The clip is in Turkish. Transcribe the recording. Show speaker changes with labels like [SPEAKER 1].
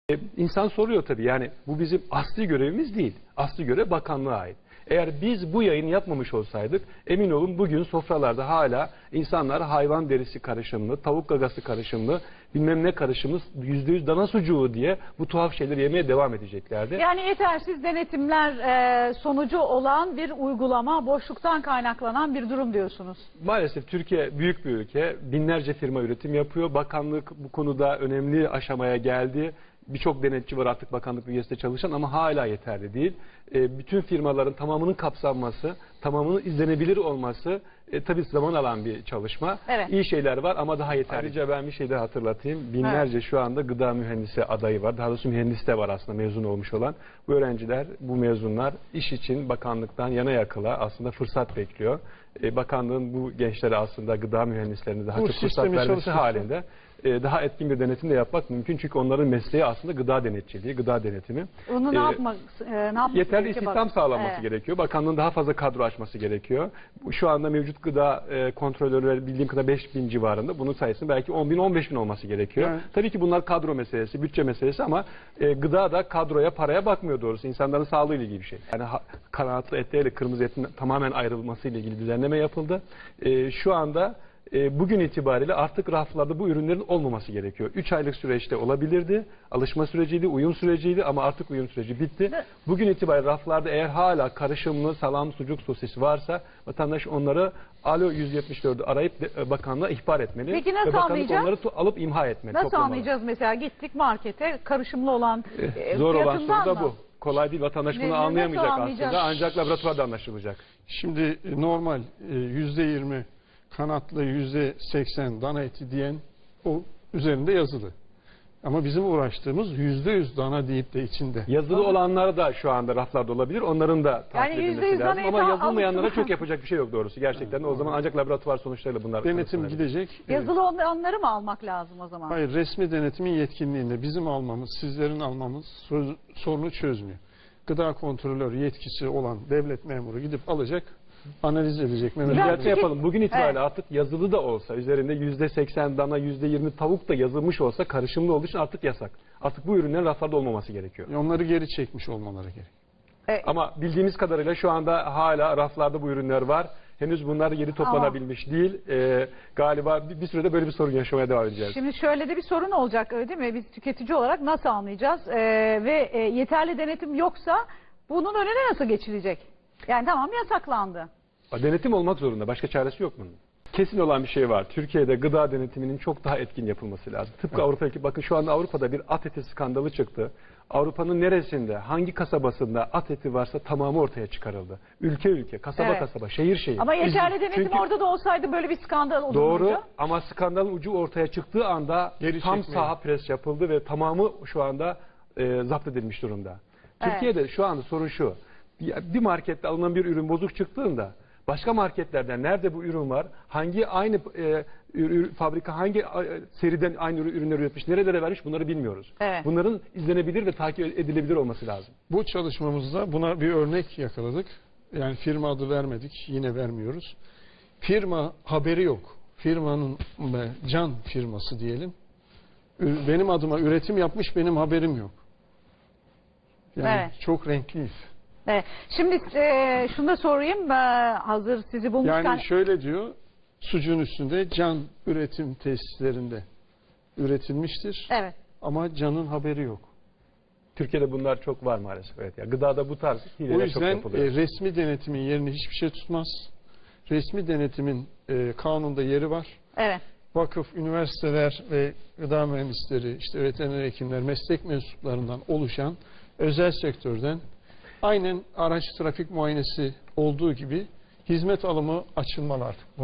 [SPEAKER 1] İnsan soruyor tabii, yani bu bizim asli görevimiz değil. Asli görev bakanlığa ait. Eğer biz bu yayını yapmamış olsaydık, emin olun bugün sofralarda hala insanlar hayvan derisi karışımlı, tavuk gagası karışımlı, bilmem ne karışımlı, %100 dana sucuğu diye bu tuhaf şeyleri yemeye devam edeceklerdi.
[SPEAKER 2] Yani yetersiz denetimler sonucu olan bir uygulama, boşluktan kaynaklanan bir durum diyorsunuz.
[SPEAKER 1] Maalesef Türkiye büyük bir ülke, binlerce firma üretim yapıyor. Bakanlık bu konuda önemli aşamaya geldi. Birçok denetçi var artık bakanlık bünyesinde çalışan ama hala yeterli değil. Bütün firmaların tamamının kapsanması, tamamının izlenebilir olması tabii zaman alan bir çalışma.
[SPEAKER 2] Evet.
[SPEAKER 1] İyi şeyler var ama daha yeterli. Ayrıca ben bir şey daha hatırlatayım. Binlerce şu anda gıda mühendisi adayı var. Daha doğrusu mühendis de var aslında mezun olmuş olan. Bu öğrenciler, bu mezunlar iş için bakanlıktan yana yakıla aslında fırsat bekliyor. Bakanlığın bu gençlere aslında gıda mühendislerine daha çok fırsat vermesi halinde daha etkin bir denetim de yapmak mümkün. Çünkü onların mesleği aslında gıda denetçiliği, gıda denetimi.
[SPEAKER 2] Onu ne yapmak
[SPEAKER 1] yeterli istihdam sağlanması gerekiyor. Bakanlığın daha fazla kadro açması gerekiyor. Şu anda mevcut gıda kontrolörleri bildiğim kadar 5.000 civarında. Bunun sayısının belki 10.000, 15.000 olması gerekiyor. Evet. Tabii ki bunlar kadro meselesi, bütçe meselesi ama gıda da kadroya, paraya bakmıyor doğrusu. İnsanların sağlığıyla ilgili bir şey. Yani kanatlı etle kırmızı etin tamamen ayrılmasıyla ilgili düzenleme yapıldı. Şu anda bugün itibariyle artık raflarda bu ürünlerin olmaması gerekiyor. 3 aylık süreçte olabilirdi. Alışma süreciydi, uyum süreciydi ama artık uyum süreci bitti. Bugün itibariyle raflarda eğer hala karışımlı salam, sucuk, sosis varsa vatandaş onları Alo 174'ü arayıp bakanlığa ihbar etmeli.
[SPEAKER 2] Peki nasıl
[SPEAKER 1] ve
[SPEAKER 2] anlayacağız?
[SPEAKER 1] Onları alıp imha etmeli.
[SPEAKER 2] Nasıl anlayacağız mesela gittik markete karışımlı olan
[SPEAKER 1] zor olan soru da
[SPEAKER 2] mı?
[SPEAKER 1] bu. Kolay değil, vatandaş bunu anlayamayacak aslında ancak laboratuvarda anlaşılacak.
[SPEAKER 3] Şimdi normal %20 kanatlı %80 dana eti diyen o üzerinde yazılı. Ama bizim uğraştığımız %100 dana deyip de içinde.
[SPEAKER 1] Yazılı olanlar da şu anda raflarda olabilir. Onların da takip edilmesi lazım. Ama yazılmayanlara çok yapacak bir şey yok doğrusu. Gerçekten o zaman ancak laboratuvar sonuçlarıyla bunlar
[SPEAKER 3] denetim gidecek.
[SPEAKER 2] Yazılı olanları mı almak lazım o zaman?
[SPEAKER 3] Hayır, resmi denetimin yetkinliğinde bizim almamız, sizlerin almamız sorunu çözmüyor. Gıda kontrolör yetkisi olan devlet memuru gidip alacak, analiz edecek.
[SPEAKER 1] Düzeltme yapalım. Bugün itibariyle artık yazılı da olsa, üzerinde %80 dana, %20 tavuk da yazılmış olsa, karışımlı olduğu için artık yasak. Artık bu ürünlerin raflarda olmaması gerekiyor.
[SPEAKER 3] Onları geri çekmiş olmaları gerekiyor.
[SPEAKER 1] Ama bildiğimiz kadarıyla şu anda hala raflarda bu ürünler var. Henüz bunlar geri toplanabilmiş değil. Galiba bir sürede böyle bir sorun yaşamaya devam edeceğiz.
[SPEAKER 2] Şimdi şöyle de bir sorun olacak öyle değil mi? Biz tüketici olarak nasıl anlayacağız? Ve yeterli denetim yoksa bunun önüne nasıl geçilecek? Yani tamam yasaklandı.
[SPEAKER 1] Denetim olmak zorunda. Başka çaresi yok bunun. Kesin olan bir şey var. Türkiye'de gıda denetiminin çok daha etkin yapılması lazım. Tıpkı Avrupa'daki, bakın şu anda Avrupa'da bir at eti skandalı çıktı. Avrupa'nın neresinde, hangi kasabasında at eti varsa tamamı ortaya çıkarıldı. Ülke ülke, kasaba kasaba, şehir şehir.
[SPEAKER 2] Ama yeterli denetim orada da olsaydı böyle bir skandal olurdu.
[SPEAKER 1] Doğru ama skandalın ucu ortaya çıktığı anda tam saha pres yapıldı ve tamamı şu anda zapt edilmiş durumda. Türkiye'de şu anda sorun şu. Bir markette alınan bir ürün bozuk çıktığında başka marketlerden nerede bu ürün var, hangi aynı fabrika hangi seriden aynı ürünleri üretmiş, nerelere vermiş bunları bilmiyoruz.
[SPEAKER 2] Evet.
[SPEAKER 1] Bunların izlenebilir ve takip edilebilir olması lazım.
[SPEAKER 3] Bu çalışmamızda buna bir örnek yakaladık. Yani firma adı vermedik, yine vermiyoruz. Firma haberi yok. Firmanın can firması diyelim. Benim adıma üretim yapmış, benim haberim yok. Yani çok renkliyiz.
[SPEAKER 2] Evet. Şimdi şunu da sorayım, hazır sizi bulmuşken.
[SPEAKER 3] Yani şöyle diyor, sucuğun üstünde can üretim tesislerinde üretilmiştir.
[SPEAKER 2] Evet.
[SPEAKER 3] Ama canın haberi yok.
[SPEAKER 1] Türkiye'de bunlar çok var maalesef. Evet. Yani gıdada bu tarz hileler çok yapılıyor.
[SPEAKER 3] O yüzden resmi denetimin yerini hiçbir şey tutmaz. Resmi denetimin kanunda yeri var.
[SPEAKER 2] Evet.
[SPEAKER 3] Vakıf, üniversiteler ve gıda mühendisleri, işte veteriner hekimler, meslek mensuplarından oluşan özel sektörden aynen araç trafik muayenesi olduğu gibi hizmet alımı açılmalı artık.